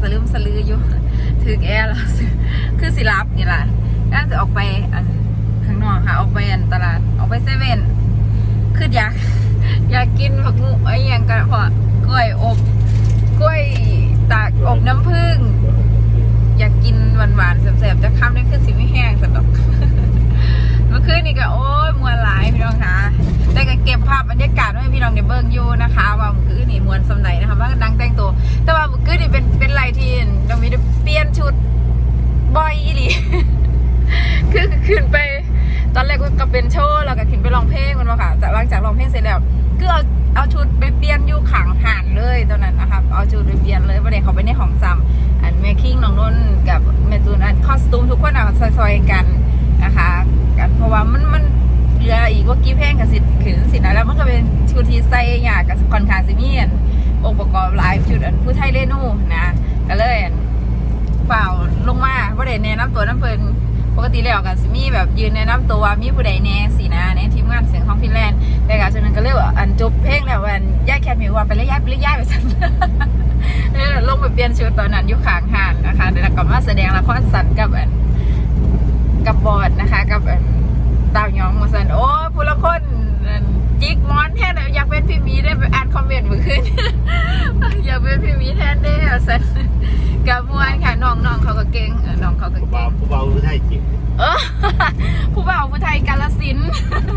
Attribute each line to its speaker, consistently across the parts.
Speaker 1: สลืมสลืออยู่ถือแอร์แล้วคือสิรับนี่แหละน่าจะออกไปข้างนอกค่ะออกไปตลาดออกไปเซเว่นคืออยากกินผักบุ้งไอ้ยังกันพอกล้วยอบกล้วยตากอบน้ำผึ้งอยากกินหวานๆแซ่บๆจะข้ามได้คือสิไม่แห้งสักดอกเมื่อคืนนี่ก็โอ้ยมวนหลายพี่น้องคะแต่ก็เก็บภาพบรรยากาศไว้ให้พี่น้องได้เบิ่งอยู่นะคะว่าเมื่อคืนนี่มวนสำไหนนะคะว่าดังแต่งตัวแต่ว่าเมื่อคืนนี่เป็นไรที่ต้องมีเปลี่ยนชุดบ่อยอีหลี คือขึ้นไปตอนแรกก็เป็นโชว์แล้วก็ขึ้นไปร้องเพลงกันว่าค่ะหลังจากร้องเพลงเสร็จแล้วก็เอาชุดไปเปลี่ยนอยู่ขังห่านเลยตอนนั้นนะคะเอาชุดไปเปลี่ยนเลยประเดี๋ยวเขาไปในห้องซ้ำแม่คิงน้องนุ่นกับแม่ตูนคอสตูมทุกคนซอยๆกันนะคะกันเพราะว่ามันเหลืออีกว่ากี่เพลงกับสิขืนสินะแล้วมันก็เป็นชุดที่ใส่ยากกับคอนคาซิเมียนองค์ประกอบหลายชุดผู้ไทยเรนูนะก็เลยเปล่าลงมาประเดี๋ยวแนะนำตัวน้ำเพลินปกติแล้วกับซิมี่แบบยืนแนะนำตัวมีผู้ใดแน่สินะในทีมงานเสียงของฟินแลนด์แต่กับฉะนั้นก็เรียกว่าจบเพลงแล้วย่าแคทมิวว่าไปเลยย่าไปสั่นนี่ลงไปเปลี่ยนชุดตอนนั้นยุคขางห่านนะคะเดี๋ยวกลับมาแสดงละครสัตว์กับบอดนะคะกับดาวยองมาสันโอ้ผู้ละคนจิกมอนแทนอยากเป็นพี่มีได้ไปอ่านคอมเมนต์เมื่อคืนอยากเป็นพี่มีแทนได้สันกับมวนค่ะน้องเขาก็เก่งน้องเขาก็เก่ง
Speaker 2: ผู้เบาผู้ไทยจิ๋ว
Speaker 1: ผู้เบาผู้ไทยกาฬสินธุ์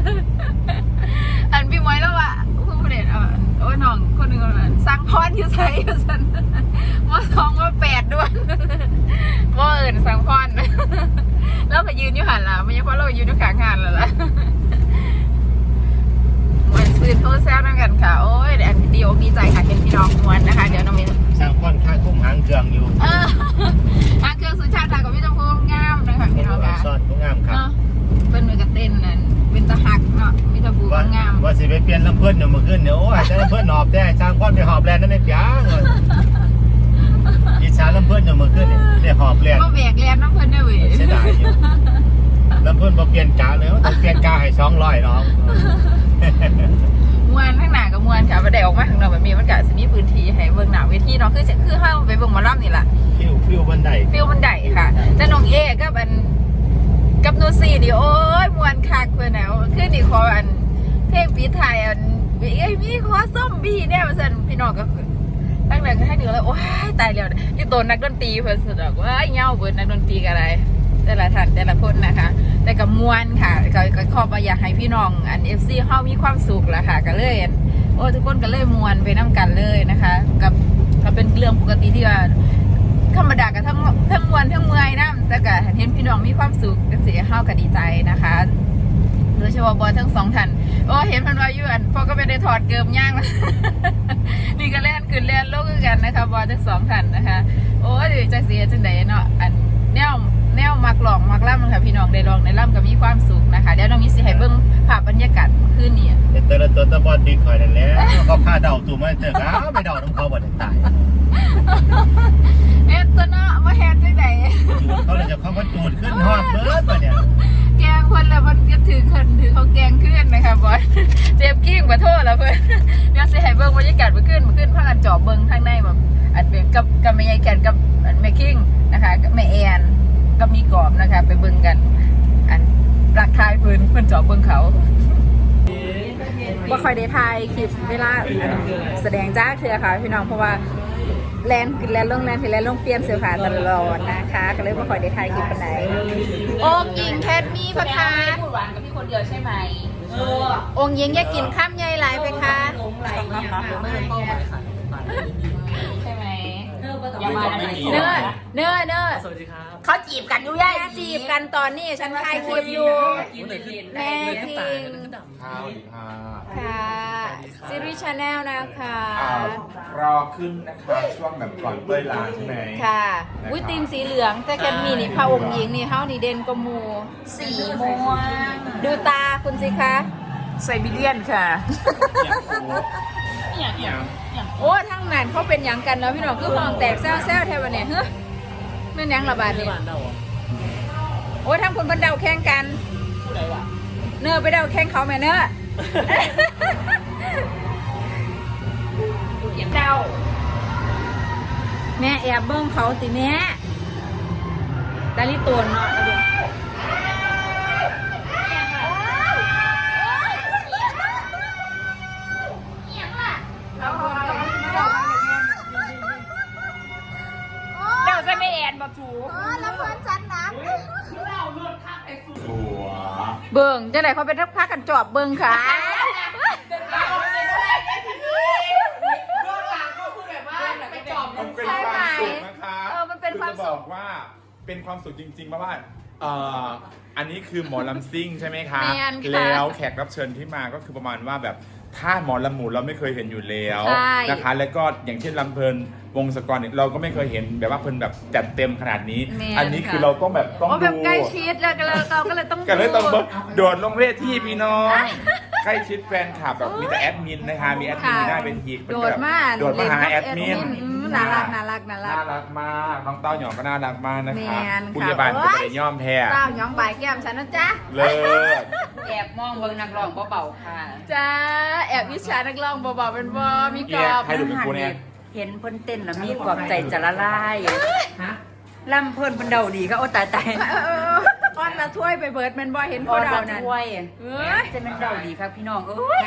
Speaker 1: พี่มวยแล้วว่ะผู้เด่นโอ้ยน้องคนหนึ่งสร้างพรอยู่ใส่สันว่า2ว่า8ด้วยว่าสร้างพรแล้วไปยืนอยู่หันล่ะไม่ใช่เพราะเรายืนอยู่ข้างหันแล้วล่ะมวนซื้อโทรแซวนั่งกันค่ะโอ้ยดีอกดีใจค่ะเห็นพี่น้องมวนนะคะเดี๋ยวน้องมิ้น
Speaker 2: สร้างค่อนข้างคุ้มหางเครื่องอยู่
Speaker 1: หางเครื่องสุชาติค่ะกับพี่จงพงงามนะคะพี่น้องค่ะ
Speaker 2: ซอดงามครับ
Speaker 1: เป็นมือกระเต้นนั่นเป็นตะหักเนาะมีตะบูงาม
Speaker 2: ว่าสิไปเปลี่ยนลำเพื่อนเมื่อคืนโอ้ยแต่ลำเพื่อนหอบแต่สร้างค่อนไปหอบแลนนั่นเองยังอิจฉาลำเพื่อนเมื่อคืนเนี่ยหอบแลน
Speaker 1: ก็แบกแลนน้ำเพื่อนได้เว้ย
Speaker 2: เสียดายอยู่ลำเพื่อนพอเปลี่ยนกาเลยต้องเปลี่ยนกาให้200น้อง
Speaker 1: มวนข้างหน้ากับมวนค่ะประเดี๋ยวออกมาข้างนอกแบบนี้มันก็จะมีพื้นที่ให้เบื้องหน้าเวทีเนาะคือห้าไปเบื้องมาล่ำนี่แหละ
Speaker 2: ฟิวบันได
Speaker 1: ค่ะแต่น้องเอกับนูซี่นี่โอ้ยมวนคักเพื่อนแล้วคือนี่ขอเพลงปีไทยมีขอส้มบีเนี่ยมาสั่นพี่น้องก็ตั้งแต่ให้ดูแล้วโอ้ยตายแล้วที่ตัวนักดนตรีเพื่อนสุดว่าเงาเบิร์นักดนตรีกันอะไรแต่ละท่านแต่ละคนนะคะแต่กับมวนค่ะก็ขอบอยากให้พี่น้องFC เฮามีความสุขแหละค่ะก็เลยโอ้ทุกคนก็เลยมวนไปน้ำกันเลยนะคะก็เป็นเรื่องปกติที่ว่าธรรมดากับทั้งมวนทั้งเมื่อยนะแต่ก็เห็นพี่น้องมีความสุขกันเสียเฮาก็ดีใจนะคะโดยเฉพาะบอลทั้ง2ท่านโอ้เห็นมันว่าอยู่พอก็ไม่ได้ถอดเกิมย่างนี่ก็เล่นขึ้นเล่นโลกกันนะคะบอลทั้ง2ท่านนะคะโอ้ยจะเสียจังไดเนาะแนวมักหลองมักล่ำค่ะพี่น้องได้ลองในล่ำก็มีความสุขนะคะเดี๋ยวน้องมิสิให้เบิ้งภาพบรรยากาศคืนนี้
Speaker 2: แต่ละตัวตะบอลดีคอยนั่นแหละเขาพาเดาตัวมาเจอเขาไปเดาน้ำเขาบ่ได้ตาย
Speaker 1: ตัวเนาะมาแฮนจังได
Speaker 2: เขาเลยจะเขาก็จูดขึ้นฮอดเบิร์ดมาเนี่ย
Speaker 1: แกงคนละมันก็ถือเขาแกงขึ้นนะคะบอลเจ็บกิ้งมาโทษแล้วเพื่อนเดี๋ยวสิให้เบิ้งบรรยากาศมาขึ้นพากันจอบเบิ้งข้างในแบบเป็นกับแม่ยายแกนกับแม่คิงนะคะกับแม่แอนก็มีกรอบนะคะไปเบิ่งกันรักทายเพื่อนจอบเบิ่งเขาว่าคอยได้ทายคลิปเวลาแสดงจ้าเธอค่ะพี่น้องเพราะว่าแลนขึ้นแลนลงเปลี่ยนเสื้อผ้าตลอดนะคะก็เลยว่าคอยได้ทายคลิปปันไหนองค์หญิงแคทมีพะคะพูดหวานกับพี่คนเดียวใช่ไหมองค์หญิงอยากกินข้ามใหญ่หลายไปคะใช่ไหมเนื้อ
Speaker 3: สวัสดีครับ
Speaker 1: เขาจีบกันอยู่ย่าจีบกันตอนนี้ฉันถ่ายคลิปอยู่แม่พิงค่ะซีรีส์ชาแนลนะคะ
Speaker 3: รอขึ้นนะคะช่วงแบบก่อนเต้ยลาใช่ไหม
Speaker 1: ค่ะอุ้ยตีมสีเหลืองแต่แคทมีนี่พระองค์หญิงนี่เฮานี่เด่นกมูสีม่วงดูตาคุณสิคะไซบีเรียนค่ะโอ้ทั้งนั้นเขาเป็นยังกันเนาะพี่น้องคือห้องแตกแซวแทบวันเนี่ยเฮ้ยแม่นยังระบาดนี่โอ้ทั้งคนบันเดาแข่งกันเนื้อไปเดาแข่งเขาแม่เนื้อเดาแม่แอบเบิ้งเขาติแม่ดาริตัวเนาะแล้วดูเดี๋ยวจะไม่แอนบอกถูแล้วเพื่อนฉันนะเบิ้งจะไหนเขาเป็นรักพักกันจอบเบิ้งค่ะ
Speaker 3: มันเป็นความสุขนะคะ
Speaker 1: มันเป็นความ
Speaker 3: จะบอกว่าเป็นความสุขจริงๆเพราะว่าอันนี้คือหมอลำซิ่งใช่ไหมคะ
Speaker 1: แม่นค่ะ
Speaker 3: แล้วแขกรับเชิญที่มาก็คือประมาณว่าแบบถ้าหมอลำหมู่เราไม่เคยเห็นอยู่แล้ว
Speaker 1: ใช่
Speaker 3: นะคะ แล้วก็อย่างเช่นลำเพลินวงศกรเนี่ยเราก็ไม่เคยเห็นแบบว่าเพลินแบบจัดเต็มขนาดนี้
Speaker 1: แม่น
Speaker 3: อันนี้คือ
Speaker 1: ค่ะ
Speaker 3: เราต้องแบบต้อง
Speaker 1: อ๋อแบบ
Speaker 3: ดู
Speaker 1: ใกล้ชิดแล้วเราก็เลยต้อง
Speaker 3: กันเลยต้อง
Speaker 1: ดู
Speaker 3: โดดลงเวทีพี่น้อง ใกล้ชิดแฟนคลับแบบมีแต่แอดมินนะคะมีแอดมินมีหน้าเป็นที
Speaker 1: โดดมา
Speaker 3: โดดมาหาแอดมิน
Speaker 1: น่ารักน่ารักน่ารัก
Speaker 3: น่ารักมากน้องเต้าหยองก็น่ารักมากนะคะ
Speaker 1: แม่นค่ะ
Speaker 3: ผู้ใหญ่บ้านก็ไปย่อมแพ้
Speaker 1: เต้าหยองบ่ายแก้มฉันนะจ๊ะ
Speaker 3: เลิศ
Speaker 4: แอบมองเบิ่งนักร้องเบาๆค่ะ
Speaker 1: จ้าแอบวิชานักร้องเบาๆเป็นบอมีกร
Speaker 3: เอีย
Speaker 1: อบ
Speaker 3: ให้ดูเป็นกูเนี่ย
Speaker 4: เห็นเพิ่นเต้นแล้วมีกรอบใจจะละลายลำเพิ่นเพิ่นเดาดีก็โอ้ตาย
Speaker 1: อ้อนละถ้วยไปเบิร์ดแมันบอเห็น
Speaker 4: ๆ
Speaker 1: พวก
Speaker 4: เรา
Speaker 1: เรานั่น
Speaker 4: ช่วย
Speaker 1: เอ้ย
Speaker 4: จะเป็นเดาดีครับพี่น้องเอ้ย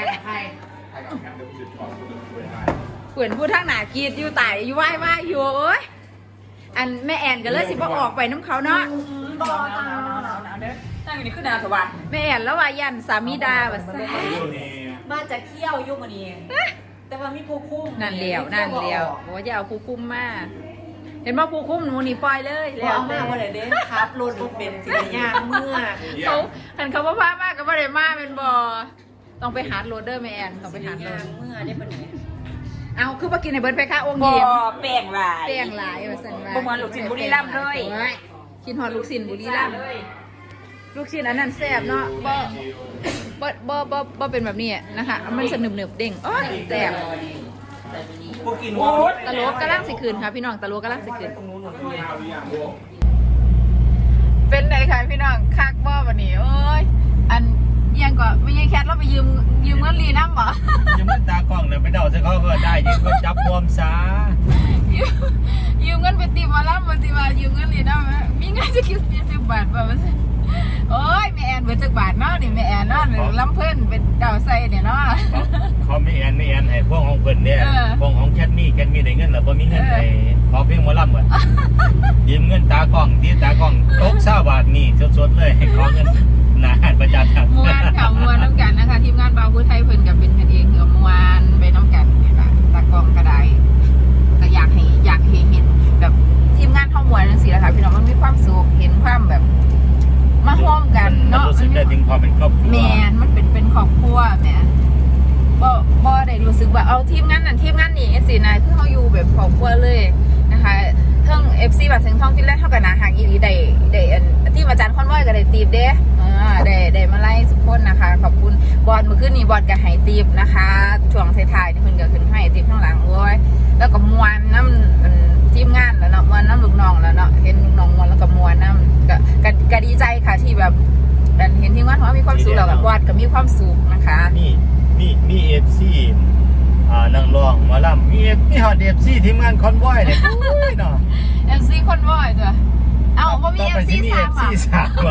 Speaker 1: เปื่อนพูดทั้งหนากรีดอยู่ไต่อยู่ไหว้อยู่เอ้ยอันแม่แอนก็เลยสิบ่ออกไปน้ำเขาเนาะ
Speaker 4: นั่งอยู่นี่คือนาสวัสดิ์
Speaker 1: แม่แอนแล้วว่ายันสามีดาแบบซ่า
Speaker 4: มาจากเที่ยวยุ่งอันนี้แต่ว่ามีผู้คุ้ม
Speaker 1: นั่นเดียวบอกว่าจะเอาผู้คุ้มมาเห็นว่าผู้คุ้มหนูนี่ปล่อยเลย
Speaker 4: แล้วเอามาบ่ได้เด้ครับรถบ่เป็นสิได้ย่างเมื่อ
Speaker 1: เขาหันเขาว่าพามากก็บ่ได้มาเป็นบอต้องไปหาโรดเดอร์แม่แอนต้องไปหาโร
Speaker 4: ย่า
Speaker 1: ด
Speaker 4: งเมื่อได้ปะเนี่ย
Speaker 1: เอาคือมากินในเบิร์ดไปค่ะองค์
Speaker 4: บ่
Speaker 1: ยิ้ม
Speaker 4: แป้งหลาย
Speaker 1: แป้งหลายว่าสันว่า
Speaker 4: บ่เหมือนลูกชิ้นบุรีรัมย์เลย
Speaker 1: โอ้กินหอดลูกชิ้นบุรีรัมย์ลูกชิ้นอันนั้นแซ่บเนาะบ่เป็นแบบนี้นะคะ มันจะหนึบๆเด้งโอ้ยแซ่บ
Speaker 4: พวกกิน
Speaker 1: ตะโลกกำลังสิคืนค่ะพี่น้องตะโลกกำลังสิคืนเป็นไงคะพี่น้องคักบ่วันนี้โอ้ยอันยังก็ไม่ใช่แคทเราไปยืมเงินลีน้ำบ่
Speaker 2: ยังมันตากล้องเนี่ยไปเดาซะเขาก็ได้ยิงก็จับรวมซา
Speaker 1: ยืมเงินไปตีมาแล้วมาตีมายืมเงินลีน้ำมีเงินจะคิด20 บาทป่ะมันโอ้ยแม่แอนเบิดจักบาทเนาะนี่แม่แอนเนาะลำเพิ่นเป็นเก่าใส่เนี่ยเนาะ
Speaker 2: เขาไม่แอนให้พวกของเพิ่นเนี่ย
Speaker 1: เออ
Speaker 2: พวกของแคทมี่ได้เงินหรือบ่มีเงินให้ขอเพียงหมอลำก่อนยืมเงินตากล้องที่ตากล้องตก20 บาทนี่สดๆเลยให้ขอเงินหนาหันประจานครับ
Speaker 1: มวนค่ะมวนน้ำกันนะคะทีมงานบาวพุทธไทยเพิ่นกับเป็นกันเองคือมวนไปน้ำกันเนี่ยค่ะตากล้องก็ได้แต่อยากให้เห็นแบบทีมงานเข้ามวนจังซี่แหละค่ะพี่น้องมันมีความสุขเห็นความแบบมาร่วมกัน
Speaker 2: มัน
Speaker 1: เนาะ
Speaker 2: รู้สึกได้ถึงความเป็นครอบครัว
Speaker 1: แมนมันเป็นครอบครัวแหมบ่ได้รู้สึกว่าเอาทีมงานนั่นทีมงานนี่สินะคือเฮาอยู่แบบครอบครัวเลยนะคะเทั้ง FC บัดถึงท่องที่แรกเท่ากับนาหางอีหลีได้อันที่อาจารย์คอนวอยก็ได้ตีบเด้ได้มาไล่สุกคนนะคะขอบคุณบอลเมื่อคืนนี้บอลก็ให้ตีบนะคะช่วงท้ายๆนี่เพิ่นก็ขึ้นให้ตีบข้างหลังโอ้ยแล้วก็มวนน้ำทีมงานแล้วเนาะมวนน้ำลูกน้องแล้วเนาะเห็นลูกน้องมวนแล้วก็มวนน้ำก็ดีใจค่ะที่แบบเห็นทีมงานเขามีความสุขแล้วกับบอลก็มีความสุขนะคะ
Speaker 2: มีเอฟซีนางรองหมอลำมีฮอดเอฟซีทีมงานคอนวอยเนี่ยโอ้ยเนาะ
Speaker 1: FC คนบ่อยจ้ะเอ้าบ่มี FC
Speaker 2: มี
Speaker 1: สา
Speaker 2: เอ
Speaker 1: ม
Speaker 2: ฟซี
Speaker 1: อ่ะ
Speaker 2: สามก่อน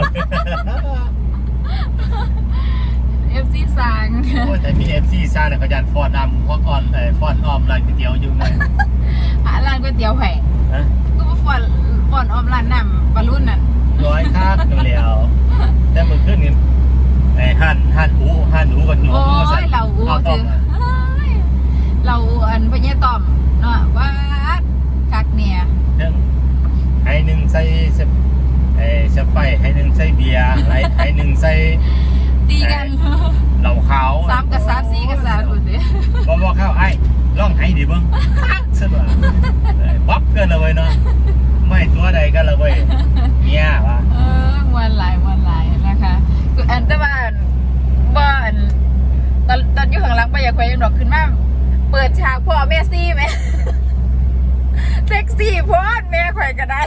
Speaker 1: FC สาง
Speaker 2: โอ้ยแต่มีเอฟซีซ่าเนี่ยเขายันฟอนนำพวกฟอนออมร้านก๋วยเตี๋ยวอยู่ไง
Speaker 1: ร้านก๋วยเตี๋ยวแผง
Speaker 2: ฮะ
Speaker 1: ก็มาฟอนออมร้านน้ำปลารุ่นนั่น
Speaker 2: ร้อยคาดกันแล้วแต่เมื่อคืนนี้ไอ้หั่นอูกันหนู
Speaker 1: โอ้ยเราอู
Speaker 2: เอาต้
Speaker 1: ถื
Speaker 2: ม
Speaker 1: อเราอันพญาต่อมเนาะว่าคักเนี่ย
Speaker 2: เรื่องให้หนึ่งใส่สไปให้หนึ่งใส่เบียร์ให้หนึ่งใส่
Speaker 1: ตีกัน
Speaker 2: เหล้าขาว
Speaker 1: 3 กับ 3 4 กับ 3ดูสิ
Speaker 2: บ่เข้าไอ้ลองให้ดิเบิ่งสนุกบ๊อบเกินเลยเนาะไม่ตัวใดกันเลยเมียวะ
Speaker 1: มวนหลนะคะคืออันแต่ว่าบ่อันตอนอยู่ข้างหลังไปอยากไปยังดอกขึ้นมาเปิดฉากพ่อแม่ซี่ไหมเซ็กซี่โพดแม่ข่อยก็ได้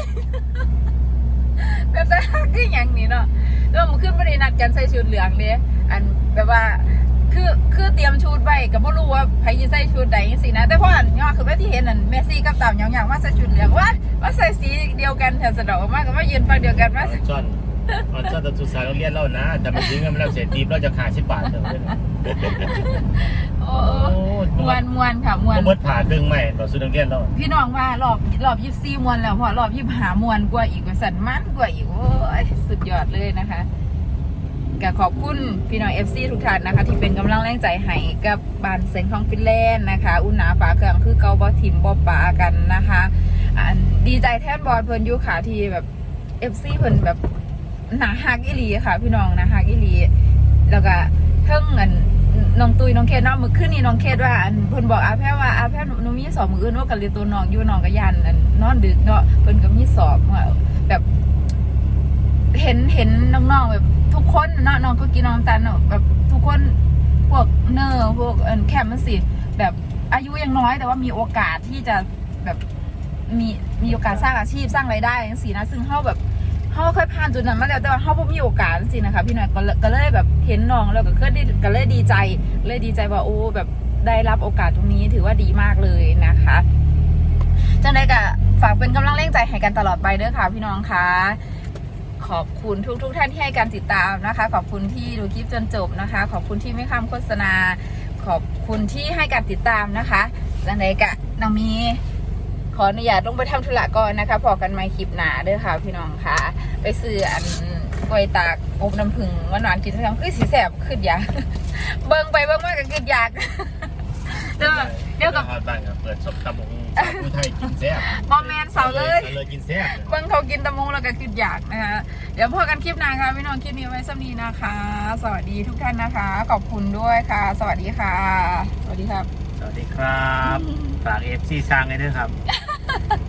Speaker 1: แบบแต่คืออย่างนี้เนาะแล้วมันขึ้นไม่ได้นัดกันใส่ชุดเหลืองเลยอันแบบว่าคือเตรียมชุดไว้ก็บ่รู้ว่าใครจะใส่ชุดใดจังซี่นะแต่พออันย่อคือว่าที่เห็นนั่นเมสซี่กับตามอย่างๆว่าใส่ชุดเหลืองว่าใส่สีเดียวกันแถวสะดอกมากก็ว่ายืนฝั่งเดียวกันว่า
Speaker 2: จอนตะทุสายโรงเรียนเรานะแต่มันซื้อเงินมาแล้วเสียตีบเราจะขา10 บาทเท่านั้น
Speaker 1: โอ้มวนค่ะมวน
Speaker 2: ก็เบิดผ่าดึงใหม่ต่อซื้อโรงเรียนเรา
Speaker 1: พี่น้องว่ารอบ24มวนแล้วพอรอบ25มวนกว่าอีกว่าสั่นมันกว่าอีกโอ้ยสุดยอดเลยนะคะก็ขอบคุณพี่น้อง FC ทุกท่านนะคะที่เป็นกำลังแรงใจให้กับบ้านเซ็งของฟินแลนด์นะคะอุ่นหนาฝาเครื่องคือเกาบอทิมบอปากันนะคะดีใจแทนบอลเพิ่นยุค่ะที่แบบ FC เพิ่นแบบหนาฮักอีหลีค่ะพี่น้องนะฮักอีหลีแล้วก็เพิ่งเงินน้องตุยน้องเคสเนาะมื้อคืนนี้น้องเคสว่าเพิ่นบอกอาแพ้ว่าอาแพ้หนูมีสอบมื้ออื่นว่ากันเรียนตัวน้องอยู่น้องก็ยันนอนดึกเนาะเพิ่นก็มีสอบแบบเห็นน้องๆแบบทุกคนเนาะน้องก็กินน้ำตาลเนาะแบบทุกคนพวกเนอร์พวกแคมมันสิแบบอายุยังน้อยแต่ว่ามีโอกาสที่จะแบบมีโอกาสสร้างอาชีพสร้างรายได้จังซี่นะซึ่งเฮาแบบเฮาเคยผ่านจุดนั้นมาแล้วแต่ว่าเฮาบ่มีโอกาสจริงๆนะคะพี่น้อยก็เลยแบบเห็นน้องแล้วก็เลยดีใจว่าโอ้แบบได้รับโอกาสตรงนี้ถือว่าดีมากเลยนะคะจังได๋ก็ฝากเป็นกำลังแรงใจให้กันตลอดไปเด้อค่ะพี่น้องคะขอบคุณทุกท่านที่ให้การติดตามนะคะขอบคุณที่ดูคลิปจนจบนะคะขอบคุณที่ไม่ข้ามโฆษณาขอบคุณที่ให้การติดตามนะคะจังได๋ก็น้องมีขออนุญาตลงไปทำธุระก่อนนะคะพอกันใหม่คลิปหน้าเด้อค่ะพี่น้องค่ะไปซื้อกล้วยตากอบน้ำผึ้งหวานๆกินทั้งคือสีแสบขึ้นอยากเบิ่งไปเบิ่งมาก็ขึ้นอยากเดี๋ยวกับ
Speaker 2: บ้านเปิดสมตำผู้ไทยกินแซ่บ
Speaker 1: มอมแมนเสาเลย
Speaker 2: เลยกินแซ่บ
Speaker 1: เบิ่งเขากินตะมงแล้วก็ขึ้นอยากนะคะเดี๋ยวพอกันคลิปหน้าค่ะพี่น้องคลิปนี้ไว้สำนีนะคะ สวัสดีทุกท่านนะคะขอบคุณด้วยค่ะ สวัสดีค่ะ สวัสดีครับ
Speaker 2: สวัสดีครับฝาก FC สร้างให้ด้วยครับ